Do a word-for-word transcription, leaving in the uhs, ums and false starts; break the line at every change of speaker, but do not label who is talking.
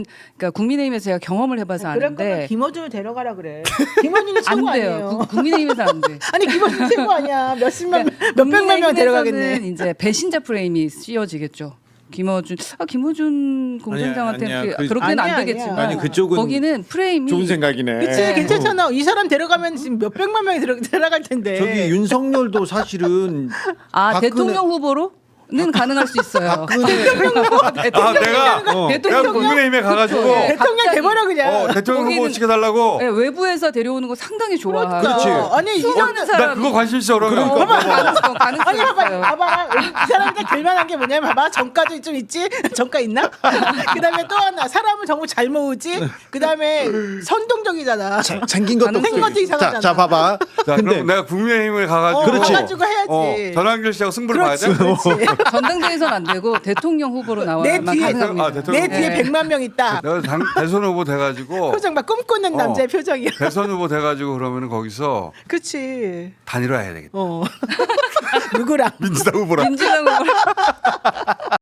그러니까 국민의힘에서 제가 경험을 해봐서
그럴 거면
아는데
김어준을 데려가라 그래. 김어준이 최고
안 돼요.
아니에요.
구- 국민의힘에서 안 돼.
아니 김어준 최고 아니야. 몇십만
그러니까
몇백만 명
국민의힘에서는
데려가겠네.
이제 배신자 프레임이 씌워지겠죠. 김어준, 아 김어준 공장장한테
아니야,
그,
그-
그렇게는
아니야,
안 되겠지만
아니야.
아니 그쪽은
거기는 프레임이
좋은 생각이네.
그치
네.
괜찮잖아. 이 사람 데려가면 지금 몇백만 명이 들어, 들어갈 텐데.
저기 윤석열도 사실은
아
박근혜-
대통령 후보로는 가능할 수 있어요.
박근혜
아 내가 어, 내가
대통령
국민의힘에 가가지고
네,
대통령
갑자기-
돼버려 그냥.
어, 대통령 후보
거기는-
시켜달라고.
네, 외부에서 데려오는 거 상당히 좋아하고
그렇지.
아니 이 사람
수많은 사람
나 그거 관심 있어 그러면.
어, 가능성 가능성
아니 봐봐
있어요.
봐봐 이 사람한테 될만한 게 뭐냐면 봐봐 정가도 좀 있지 정가 있나? 그다음에 또 하나 사람을 정말 잘 모으지. 그다음에 선동적이잖아.
생긴 것도
가능성이
없고.
생긴 것도 이상하잖아.
자, 자 봐봐.
자,
근데
그럼 내가 국민의힘을 가가지고.
어,
그렇지.
가가지고 해야지.
어, 전환길 씨하고 승부를 봐야 돼.
그렇지, 그렇지.
전당대회에선 안 되고 대통령 후보로
내
나와야만
뒤에
가능합니다.
아, 대통령
내 뒤에
네.
백만 명 있다.
내가 당, 대선 후보 돼가지고.
표정 봐 꿈꾸는
어.
남자의 표정이야.
대선 후보 돼가지고 그러면 거기서
그렇지.
단일화해야 되겠다.
어 누구랑?
민주당 후보랑.
민주당 후보